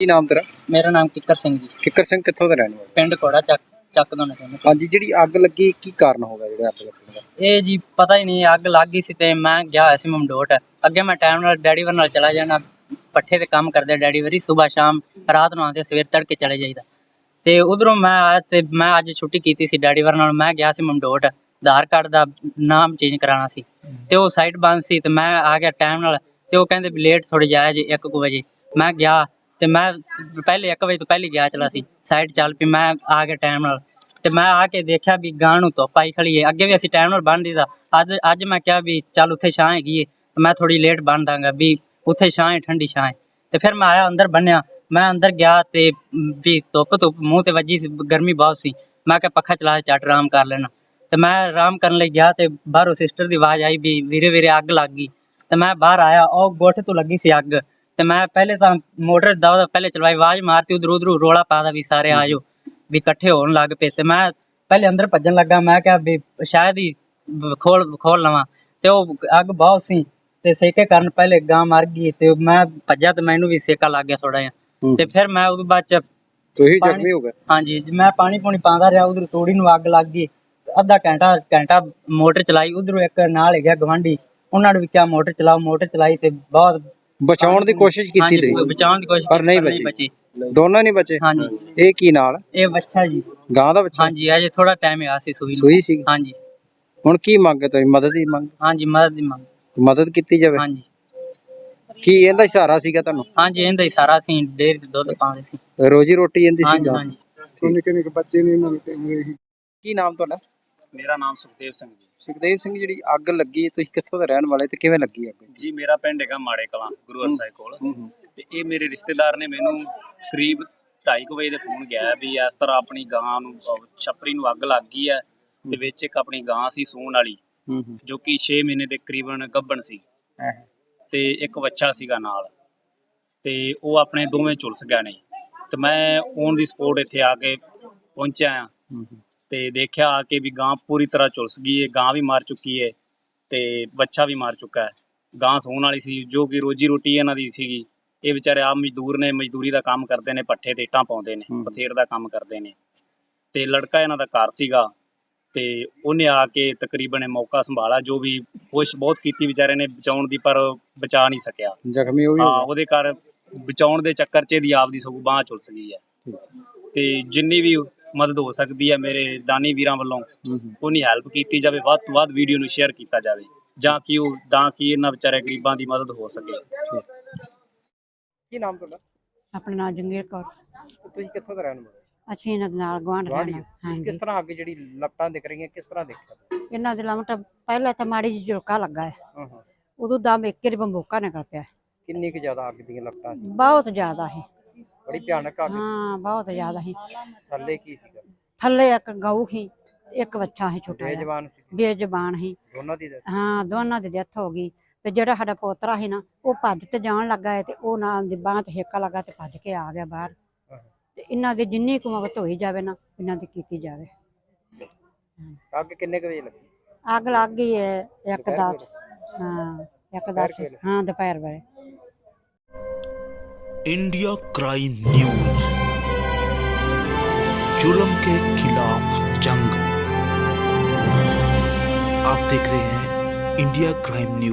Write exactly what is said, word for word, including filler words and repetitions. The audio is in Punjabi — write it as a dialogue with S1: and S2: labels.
S1: ਕੀ ਨਾਮ ਤੇਰਾ?
S2: मेरा नाम किकर सिंह जी।
S1: ਕਿੱਕਰ ਸਿੰਘ ਕਿੱਥੋਂ ਦਾ ਰਹਿਣ ਵਾਲਾ?
S2: पिंड घोड़ा चक चक दोने कहंदे।
S1: ਹਾਂਜੀ, ਜਿਹੜੀ ਅੱਗ ਲੱਗੀ ਕੀ ਕਾਰਨ ਹੋਗਾ ਜਿਹੜਾ ਅੱਗ ਲੱਗਣ ਦਾ?
S2: ਇਹ ਜੀ ਪਤਾ ਹੀ ਨਹੀਂ ਅੱਗ ਲੱਗ ਗਈ ਸੀ ਤੇ ਮੈਂ ਗਿਆ ਹੋਇਆ ਸੀ ਮਮਡੋਟ। ਅੱਗੇ ਮੈਂ ਟਾਈਮ ਨਾਲ ਡੈਡੀ ਵਰ ਨਾਲ ਚਲਾ ਜਾਣਾ, ਪੱਠੇ ਤੇ ਕੰਮ ਕਰਦੇ ਡੈਡੀ ਵਰੀ, ਸਵੇਰ ਸ਼ਾਮ ਰਾਤ ਨੂੰ ਆਉਂਦੇ, ਸਵੇਰ ਤੜਕੇ ਚਲੇ ਜਾਈਦਾ। ਤੇ ਉਧਰੋਂ ਮੈਂ ਆਇਆ ਤੇ ਮੈਂ ਅੱਜ ਛੁੱਟੀ ਕੀਤੀ ਸੀ ਡੈਡੀ ਵਰ ਨਾਲ। ਮੈਂ ਗਿਆ ਸੀ ਮਮਡੋਟ, ਆਧਾਰ ਕਾਰਡ ਦਾ ਨਾਮ ਚੇਂਜ ਕਰਾਉਣਾ ਸੀ ਤੇ ਉਹ ਸਾਈਟ ਬੰਦ ਸੀ ਤੇ ਮੈਂ ਆ ਗਿਆ ਟਾਈਮ ਨਾਲ। ਤੇ ਉਹ ਕਹਿੰਦੇ ਵੀ ਲੇਟ ਥੋੜੀ ਜਾਇਆ ਜੀ ਇੱਕ ਕੁ ਵਜੇ। ਮੈਂ ਗਿਆ ਤੇ ਮੈਂ ਪਹਿਲੇ ਇੱਕ ਵਜੇ ਤੋਂ ਪਹਿਲੇ ਗਿਆ ਚਲਾ ਸੀ, ਸਾਈਟ ਚੱਲ ਪਈ। ਮੈਂ ਆ ਗਿਆ ਟਾਈਮ ਨਾਲ ਤੇ ਮੈਂ ਆ ਕੇ ਦੇਖਿਆ ਵੀ ਗਾਂ ਨੂੰ ਧੁੱਪ ਆਈ ਖੜੀ ਏ। ਅੱਗੇ ਵੀ ਅਸੀਂ ਟਾਈਮ ਨਾਲ ਬੰਨ ਦਿੱਤਾ, ਅੱਜ ਅੱਜ ਮੈਂ ਕਿਹਾ ਵੀ ਚੱਲ ਉੱਥੇ ਛਾਂ ਹੈਗੀ ਏ, ਮੈਂ ਥੋੜੀ ਲੇਟ ਬੰਨ ਦਾਂਗਾ ਵੀ ਉੱਥੇ ਛਾਂ ਹੈ, ਠੰਡੀ ਛਾਂ ਹੈ। ਤੇ ਫਿਰ ਮੈਂ ਆਇਆ ਅੰਦਰ ਬੰਨਿਆ, ਮੈਂ ਅੰਦਰ ਗਿਆ ਤੇ ਵੀ ਧੁੱਪ ਧੁੱਪ ਮੂੰਹ ਤੇ ਵੱਜੀ ਸੀ, ਗਰਮੀ ਬਹੁਤ ਸੀ। ਮੈਂ ਕਿਹਾ ਪੱਖਾ ਚਲਾ ਕੇ ਝੱਟ ਆਰਾਮ ਕਰ ਲੈਣਾ। ਤੇ ਮੈਂ ਆਰਾਮ ਕਰਨ ਲਈ ਗਿਆ ਤੇ ਬਾਹਰੋਂ ਸਿਸਟਰ ਦੀ ਆਵਾਜ਼ ਆਈ ਵੀ ਵੀਰੇ ਵੀਰੇ ਅੱਗ ਲੱਗ ਗਈ। ਤੇ ਮੈਂ ਬਾਹਰ ਆਇਆ, ਉਹ ਗੁੱਠ ਤੋਂ ਲੱਗੀ ਸੀ ਅੱਗ। ਤੇ ਮੈਂ ਪਹਿਲੇ ਤਾਂ ਮੋਟਰ ਦਾ ਪਹਿਲੇ ਚਲਵਾਈ, ਆਵਾਜ਼ ਮਾਰਤੀ ਉਧਰ ਉਧਰ ਰੋਲਾ ਪਾਦਾ ਵੀ ਸਾਰੇ ਆ ਜਾਓ ਵੀ ਇਕੱਠੇ ਹੋਣ ਲੱਗ ਪਏ। ਤੇ ਮੈਂ ਪਹਿਲੇ ਅੰਦਰ ਭੱਜਣ ਲੱਗਾ, ਮੈਂ ਕਿਹਾ ਵੀ ਸ਼ਾਇਦ ਹੀ ਖੋਲ ਖੋਲ ਲਵਾਂ। ਤੇ ਉਹ ਅੱਗ ਬਹੁਤ ਸੀ ਤੇ ਸੇਕੇ ਕਾਰਨ ਪਹਿਲੇ ਗਾਂ ਮਰ ਗਈ ਤੇ ਮੈਂ ਭੱਜਿਆ ਤੇ ਮੈਨੂੰ ਵੀ ਸੇਕਾ ਲੱਗ ਗਿਆ ਥੋੜਾ ਜਿਹਾ। ਤੇ ਫਿਰ ਮੈਂ ਉਹਦੇ ਬਾਅਦ ਚ
S1: ਤੁਸੀਂ ਜ਼ਖਮੀ ਹੋ ਗਏ?
S2: ਹਾਂਜੀ, ਮੈਂ ਪਾਣੀ ਪੂਣੀ ਪਾਉਂਦਾ ਰਿਹਾ, ਉਧਰ ਤੋੜੀ ਨੂੰ ਅੱਗ ਲੱਗ ਗਈ। ਅੱਧਾ ਘੰਟਾ ਘੰਟਾ ਮੋਟਰ ਚਲਾਈ, ਉਧਰੋਂ ਇੱਕ ਨਾਲ ਹੈਗਾ ਗਵਾਂਢੀ, ਉਹਨਾਂ ਨੇ ਵੀ ਕਿਹਾ ਮੋਟਰ ਚਲਾਓ, ਮੋਟਰ ਚਲਾਈ ਤੇ ਬਹੁਤ
S1: ਬਚਾਉਣ ਦੀ ਕੋਸ਼ਿਸ਼ ਕੀਤੀ ਤੁਸੀਂ?
S2: ਬਚਾਉਣ ਦੀ ਕੋਸ਼ਿਸ਼
S1: ਪਰ ਨਹੀਂ ਬਚੀ, ਦੋਨੋਂ ਨਹੀਂ ਬਚੇ? ਹਾਂਜੀ। ਇਹ ਕੀ ਨਾਲ? ਇਹ
S2: ਬੱਚਾ ਜੀ,
S1: ਗਾਂ ਦਾ ਬੱਚਾ?
S2: ਹਾਂਜੀ, ਅਜੇ ਥੋੜਾ ਟਾਈਮ ਆ ਸੀ ਸੂਈ
S1: ਸੂਈ ਸੀ।
S2: ਹਾਂਜੀ।
S1: ਹੁਣ ਕੀ ਮੰਗ ਹੈ ਤੁਸੀਂ? ਮਦਦ ਦੀ ਮੰਗ?
S2: ਹਾਂਜੀ, ਮਦਦ ਦੀ ਮੰਗ,
S1: ਮਦਦ ਕੀਤੀ ਜਾਵੇ।
S2: ਹਾਂਜੀ।
S1: ਕੀ ਇਹਦਾ ਸਹਾਰਾ ਸੀਗਾ ਤੁਹਾਨੂੰ?
S2: ਹਾਂਜੀ, ਇਹਦਾ ਹੀ ਸਾਰਾ ਸੀ, ਡੇਅਰੀ ਤੇ ਦੁੱਧ ਪਾਉਂਦੇ ਸੀ,
S1: ਰੋਜੀ ਰੋਟੀ ਇਹਦੀ ਸੀ।
S2: ਹਾਂਜੀ ਹਾਂਜੀ।
S1: ਨਿੱਕੇ ਨਿੱਕੇ ਬੱਚੇ ਨੇ ਇਹਨਾਂ ਨੂੰ। ਕੀ ਨਾਮ ਤੁਹਾਡਾ?
S3: ਮੇਰਾ ਨਾਮ ਸੁਖਦੇਵ ਸਿੰਘ ਜੀ।
S1: ਸੁਖਦੇਵ ਸਿੰਘ, ਜਿਹੜੀ ਅੱਗ ਲੱਗੀ ਤੁਸੀਂ ਕਿੱਥੋਂ ਦੇ ਰਹਿਣ ਵਾਲੇ ਤੇ ਕਿਵੇਂ ਲੱਗੀ ਅੱਗ?
S3: ਜੀ ਮੇਰਾ ਪਿੰਡ ਹੈਗਾ ਮਾੜੇ ਕਲਾਂ, ਗੁਰੂ ਸਾਹਿਬ ਕੋਲ। ਤੇ ਇਹ ਮੇਰੇ ਰਿਸ਼ਤੇਦਾਰ ਨੇ ਮੈਨੂੰ ਕਰੀਬ ਢਾਈ ਕੁ ਵਜੇ ਦੇ ਫੋਨ ਗਿਆ ਵੀ ਇਸ ਤਰ੍ਹਾਂ ਆਪਣੀ ਗਾਂ ਨੂੰ ਛੱਪਰੀ ਨੂੰ ਅੱਗ ਲੱਗ ਗਈ ਹੈ ਤੇ ਵਿੱਚ ਇੱਕ ਆਪਣੀ ਗਾਂ ਸੀ ਸੂਣ ਵਾਲੀ, ਜੋ ਕਿ ਛੇ ਮਹੀਨੇ ਦੇ ਕਰੀਬਨ ਗੱਭਣ ਸੀ ਤੇ ਇੱਕ ਬੱਚਾ ਸੀਗਾ ਨਾਲ। ਤੇ ਉਹ ਆਪਣੇ ਦੋਵੇਂ ਝੁਲਸ ਗਏ ਨੇ। ਤੇ ਮੈਂ ਔਨ ਦੀ ਸਪੋਟ ਇੱਥੇ ਆ ਕੇ ਪਹੁੰਚਿਆ ਆ ਤੇ ਦੇਖਿਆ ਆ ਕੇ ਵੀ ਗਾਂ ਪੂਰੀ ਤਰ੍ਹਾਂ ਝੁਲਸ ਗਈ ਹੈ, ਗਾਂ ਵੀ ਮਰ ਚੁੱਕੀ ਹੈ ਤੇ ਬੱਚਾ ਵੀ ਮਰ ਚੁੱਕਾ ਹੈ। ਗਾਂ ਸੌਣ ਵਾਲੀ ਸੀ, ਜੋ ਕਿ ਰੋਜੀ ਰੋਟੀ ਇਹਨਾਂ ਦੀ ਸੀਗੀ। ਇਹ ਵਿਚਾਰੇ ਆਪ ਮਜ਼ਦੂਰ ਨੇ, ਮਜ਼ਦੂਰੀ ਦਾ ਕੰਮ ਕਰਦੇ ਨੇ, ਪੱਠੇ ਤੇ ਇੱਟਾਂ ਪਾਉਂਦੇ ਨੇ, ਬਥੇਰ ਦਾ ਕੰਮ ਕਰਦੇ ਨੇ। ਤੇ ਲੜਕਾ ਇਹਨਾਂ ਦਾ ਘਰ ਸੀਗਾ ਤੇ ਉਹਨੇ ਆ ਕੇ ਤਕਰੀਬਨ ਮੌਕਾ ਸੰਭਾਲਾ, ਜੋ ਵੀ ਕੋਸ਼ਿਸ਼ ਬਹੁਤ ਕੀਤੀ ਵਿਚਾਰੇ ਨੇ ਬਚਾਉਣ ਦੀ, ਪਰ ਬਚਾ ਨਹੀਂ ਸਕਿਆ।
S1: ਜ਼ਖਮੀ ਹੋ ਗਿਆ? ਹਾਂ,
S3: ਉਹਦੇ ਘਰ ਬਚਾਉਣ ਦੇ ਚੱਕਰ 'ਚ ਇਹਦੀ ਆਪ ਦੀ ਸਗੋਂ ਬਾਂਹ ਝੁਲਸ ਗਈ ਹੈ। ਤੇ ਜਿੰਨੀ ਵੀ ਮਦਦ ਹੋ ਸਕਦੀ ਹੈ ਮੇਰੇ ਦਾਨੀ ਵੀਰਾਂ ਵੱਲੋਂ, ਉਹਨੀ ਹੈਲਪ ਕੀਤੀ ਜਾਵੇ, ਵੱਧ ਤੋਂ ਵੱਧ ਵੀਡੀਓ ਨੂੰ ਸ਼ੇਅਰ ਕੀਤਾ ਜਾਵੇ, ਜਾਂ ਕਿ ਉਹ ਤਾਂ ਕਿ ਇਹਨਾਂ ਵਿਚਾਰੇ ਗਰੀਬਾਂ ਦੀ ਮਦਦ ਹੋ ਸਕੇ।
S1: ਕੀ ਨਾਮ ਤੁਹਾਡਾ?
S4: ਆਪਣਾ ਨਾਮ ਜੰਗੀਰ ਕੌਰ।
S1: ਤੁਸੀਂ ਕਿੱਥੋਂ ਦੇ ਰਹਿਣ ਵਾਲੇ?
S4: ਅਸੀਂ ਇਹਨਾਂ ਦੇ ਨਾਲ ਗੁਆਂਢ ਰਹਿਣਾ। ਹਾਂਜੀ।
S1: ਕਿਸ ਤਰ੍ਹਾਂ ਅੱਗ ਜਿਹੜੀ ਲਪਟਾਂ ਦਿਖ ਰਹੀਆਂ, ਕਿਸ ਤਰ੍ਹਾਂ ਦੇਖਿਆ?
S4: ਇਹਨਾਂ ਦੇ ਲਮਟ ਪਹਿਲਾਂ ਤਾਂ ਮਾੜੀ ਜਿਹੀ ਝੁਲਕਾ ਲੱਗਾ ਹੈ, ਉਦੋਂ ਦਮ ਇੱਕ ਹੀ ਬੰਬੋਕਾ ਨਿਕਲ ਪਿਆ।
S1: ਕਿੰਨੀ ਕੁ ਜ਼ਿਆਦਾ ਅੱਗ ਦੀਆਂ ਲਪਟਾਂ ਸੀ?
S4: ਬਹੁਤ ਜ਼ਿਆਦਾ ਸੀ,
S1: ਬੜੀ ਭਿਆਨਕ ਅੱਗ।
S4: ਹਾਂ, ਬਹੁਤ ਜ਼ਿਆਦਾ ਸੀ।
S1: ਥੱਲੇ ਕੀ ਸੀਗਾ?
S4: ਥੱਲੇ ਇੱਕ ਗਊ ਸੀ, ਇੱਕ ਬੱਚਾ ਸੀ ਛੋਟਾ ਜਿਹਾ,
S1: ਬੇਜ਼ਬਾਨ ਸੀ?
S4: ਬੇਜ਼ਬਾਨ ਸੀ।
S1: ਦੋਨਾਂ ਦੀ?
S4: ਹਾਂ, ਦੋਨਾਂ ਦੀ ਡੈਥ ਹੋ ਗਈ। ਤੇ ਜਿਹੜਾ ਸਾਡਾ ਪੋਤਰਾ ਸੀ ਨਾ, ਉਹ ਭੱਜ ਤੇ ਜਾਣ ਲੱਗਾ ਹੈ ਤੇ ਉਹ ਨਾਲ ਦੀ ਬਾਂਹ ਤੇ ਹੇਕਾ ਲੱਗਾ ਤੇ ਭੱਜ ਕੇ ਆ ਗਿਆ ਬਾਹਰ। ਤੇ ਇਹਨਾਂ ਦੀ ਜਿੰਨੀ ਕੁ ਮਦਦ ਹੋਈ ਜਾਵੇ ਨਾ, ਇਹਨਾਂ ਦੀ ਕੀਤੀ ਜਾਵੇ।
S1: ਅੱਗ ਕਿੰਨੇ ਕੁ ਵਜੇ ਲੱਗੀ?
S4: ਅੱਗ ਲੱਗ ਗਈ ਹੈ ਇੱਕ ਦਸ, ਹਾਂ ਇੱਕ ਦਸ, ਹਾਂ ਦੁਪਹਿਰ ਵੇਲੇ।
S5: इंडिया क्राइम न्यूज, जुल्म के खिलाफ जंग। आप देख रहे हैं इंडिया क्राइम न्यूज।